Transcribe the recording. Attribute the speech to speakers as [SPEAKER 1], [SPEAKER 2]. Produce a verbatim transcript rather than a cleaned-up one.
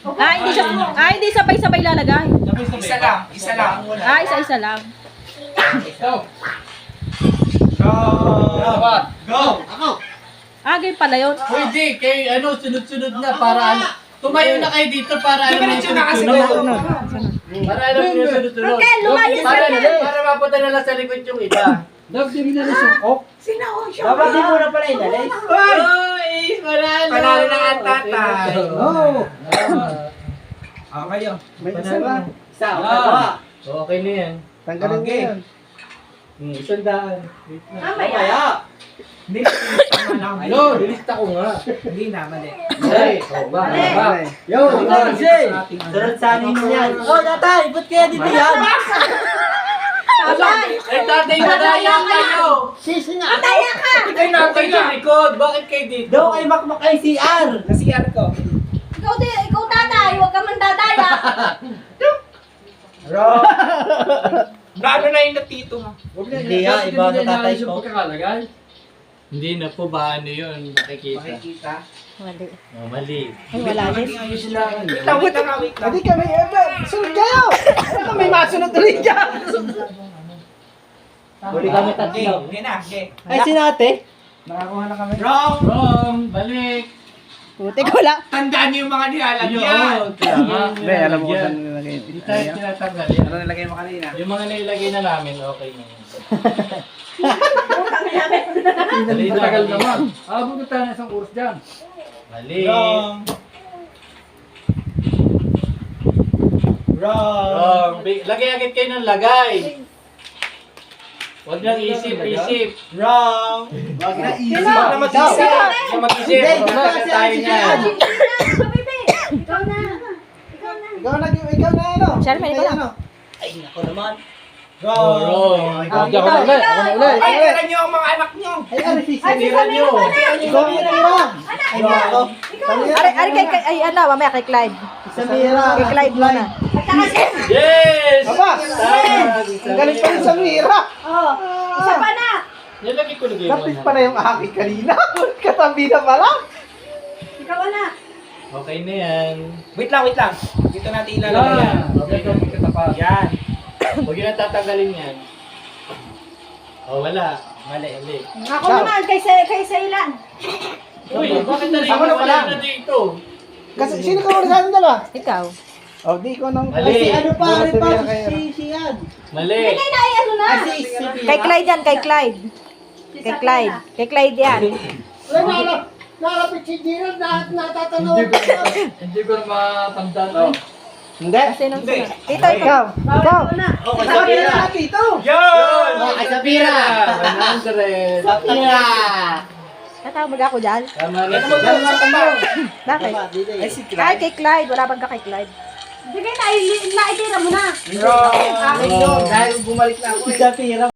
[SPEAKER 1] Ah, hindi siya, ah, hindi sabay-sabay lalagay.
[SPEAKER 2] Isa lang, isa lang.
[SPEAKER 1] Ah, isa-isa lang.
[SPEAKER 2] Go! Go! Go!
[SPEAKER 3] Ako.
[SPEAKER 1] Ah, ganyan pala yun.
[SPEAKER 4] Pwede, kay ano, sunod-sunod na para ano. Tumayo na kayo dito para ano yung
[SPEAKER 2] Diretso na kasi
[SPEAKER 4] sunod-sunod.
[SPEAKER 2] doon.
[SPEAKER 4] Para alam niyo sunod-sunod.
[SPEAKER 1] Okay, lumayas
[SPEAKER 4] Para,
[SPEAKER 1] ka na.
[SPEAKER 4] para mapunta na lang sa likod yung iba.
[SPEAKER 3] Dog, di mo na nasukok.
[SPEAKER 5] Dapat di mo na pala inalis.
[SPEAKER 4] Oy! Panalo!
[SPEAKER 2] Panalo na ang tatay.
[SPEAKER 3] Oh.
[SPEAKER 2] Ah, kayo.
[SPEAKER 3] May isa ba?
[SPEAKER 5] Isa, o
[SPEAKER 4] Ah.
[SPEAKER 5] dalawa.
[SPEAKER 4] Okay na yan.
[SPEAKER 3] Tanggalin mo
[SPEAKER 2] Okay.
[SPEAKER 3] yan.
[SPEAKER 4] Hmm, isang daan. Wait na.
[SPEAKER 5] Mamaya.
[SPEAKER 2] Hindi, tama lang.
[SPEAKER 4] Ano? Nilista ko nga.
[SPEAKER 2] Hindi na, mali.
[SPEAKER 4] Ay, oh, ba? Ba?
[SPEAKER 3] Yo,
[SPEAKER 5] Ikaw, Jay.
[SPEAKER 2] Ating ano.
[SPEAKER 5] Sunod sa anin mo yan. Oh, tatay, ba't kaya dito yan?
[SPEAKER 1] Tatay!
[SPEAKER 4] Eh, tatay, madaya kayo!
[SPEAKER 5] Sisi nga.
[SPEAKER 1] Tataya ka!
[SPEAKER 4] Ikay na kayo sa likod. Bakit kayo dito?
[SPEAKER 5] Daw kay makmak kay C R.
[SPEAKER 2] Sa C R ko.
[SPEAKER 1] Ikaw, di, ikaw tatay, huwag ka man dadaya.
[SPEAKER 2] Wrong. Lalo na yung natito mo.
[SPEAKER 5] Hindi ha, iba ang tatay ko.
[SPEAKER 4] Hindi na po ba ano yun? Nakikita.
[SPEAKER 2] Makikita.
[SPEAKER 1] Mali.
[SPEAKER 4] Oh, mali.
[SPEAKER 1] Ay, wala din.
[SPEAKER 2] Ayos lang. Wait lang, wait lang, wait lang.
[SPEAKER 3] Hindi kami, eh, sunod kayo! Ano may masunod ulit dyan?
[SPEAKER 5] Huli kami
[SPEAKER 2] Okay,
[SPEAKER 5] tatlo.
[SPEAKER 2] hindi na, okay.
[SPEAKER 5] Ay, sinate.
[SPEAKER 3] Nakakuha na kami.
[SPEAKER 2] Wrong.
[SPEAKER 4] Wrong! Balik!
[SPEAKER 1] Putik, wala.
[SPEAKER 2] Tandaan niyo yung mga nilalagyan.
[SPEAKER 4] Yun! Tama.
[SPEAKER 3] Hindi, alam mo kung saan nilagay.
[SPEAKER 4] Hindi tayo tinatanggal yan.
[SPEAKER 3] Ano nilagay mo kanina?
[SPEAKER 4] Yung mga nilagay na namin, okay na yun. Dali na.
[SPEAKER 6] Tagal naman. Abot na tayo ng isang oras dyan.
[SPEAKER 4] Mali.
[SPEAKER 2] Wrong. Wrong.
[SPEAKER 4] Wrong. Bi- Lagay agad kayo ng lagay. Huwag nang isip-isip.
[SPEAKER 2] Wrong.
[SPEAKER 5] Wag na easy.
[SPEAKER 2] Huwag na mag-isip.
[SPEAKER 4] Huwag na mag-isip.
[SPEAKER 5] Hindi,
[SPEAKER 4] Huwag na
[SPEAKER 5] kasi
[SPEAKER 4] tayo
[SPEAKER 5] si
[SPEAKER 4] niyan.
[SPEAKER 1] Ikaw na. Ikaw na.
[SPEAKER 3] Ikaw na, ikaw na ano?
[SPEAKER 1] Sherman, ikaw na.
[SPEAKER 3] Ano?
[SPEAKER 5] Ay, nako naman.
[SPEAKER 4] Oh,
[SPEAKER 2] Wrong.
[SPEAKER 4] wrong.
[SPEAKER 3] Ah,
[SPEAKER 6] Ako na ulit. Ako na ulit.
[SPEAKER 2] Ay, tira niyo ang mga anak niyo.
[SPEAKER 3] Ay, ano si
[SPEAKER 1] Ay, si
[SPEAKER 4] Tira nyo.
[SPEAKER 3] Ikaw ang mira.
[SPEAKER 5] Ay, nako.
[SPEAKER 1] Ari, ari kay, kay, ay, ano, mamaya kay Clyde.
[SPEAKER 5] Isa mira.
[SPEAKER 1] Kay Clyde muna.
[SPEAKER 4] Yes!
[SPEAKER 3] Aba!
[SPEAKER 4] Tama.
[SPEAKER 3] Ang galing pa rin sa mira.
[SPEAKER 1] Oh, isa pa na.
[SPEAKER 4] Nilagay ko na game.
[SPEAKER 3] Lapit pa na yung aking kanina. Katabi na pala.
[SPEAKER 1] Ikaw na.
[SPEAKER 4] Okay na yan.
[SPEAKER 2] Wait lang, wait lang. Dito natin ilalagay yan.
[SPEAKER 4] Okay na.
[SPEAKER 6] Kita pa.
[SPEAKER 2] Yan.
[SPEAKER 4] Huwag yun ang tatanggalin yan. Oh, wala. Mali, mali.
[SPEAKER 1] Ako naman, kay, Sa- kay Sailan.
[SPEAKER 4] Uy, bakit na rin
[SPEAKER 3] Ako na pala.
[SPEAKER 4] na dito?
[SPEAKER 3] Kasi sino ka muna sa atin dalawa?
[SPEAKER 1] Ikaw.
[SPEAKER 3] Oh, di ko nang...
[SPEAKER 4] Mali.
[SPEAKER 5] Ay, si ano pa,
[SPEAKER 3] Bukas
[SPEAKER 5] rin pa,
[SPEAKER 3] na kayo.
[SPEAKER 5] si, si yan.
[SPEAKER 4] Mali.
[SPEAKER 1] Kay na, ay, ano na.
[SPEAKER 5] Ay, si, si Pira.
[SPEAKER 1] Kay Clyde yan, kay Clyde. Kay Clyde. Kay Clyde yan.
[SPEAKER 3] Wala, nalapit si Gino na natatanong.
[SPEAKER 6] Hindi ko, hindi ko na matandaan.
[SPEAKER 3] Hindi.
[SPEAKER 1] Kasi nung
[SPEAKER 2] Hindi.
[SPEAKER 1] sunod. Tito, ikaw. Ikaw.
[SPEAKER 5] Oh, kay
[SPEAKER 3] Sabi
[SPEAKER 5] Sapira.
[SPEAKER 3] na dito.
[SPEAKER 2] Yun!
[SPEAKER 5] Oh, kay Sapira.
[SPEAKER 4] one hundred.
[SPEAKER 5] Sapira.
[SPEAKER 1] Tatawag ako dyan.
[SPEAKER 4] Tama na.
[SPEAKER 1] Bakit?
[SPEAKER 5] Tama, dito eh.
[SPEAKER 2] Ay, si
[SPEAKER 1] Ay,
[SPEAKER 2] Clyde.
[SPEAKER 1] kay Clyde. Wala bang ka kay Clyde? Sige na, naitira mo na.
[SPEAKER 2] Wrong.
[SPEAKER 3] Akin yun, dahil bumalik na ako
[SPEAKER 5] Si
[SPEAKER 3] eh.
[SPEAKER 5] Sapira.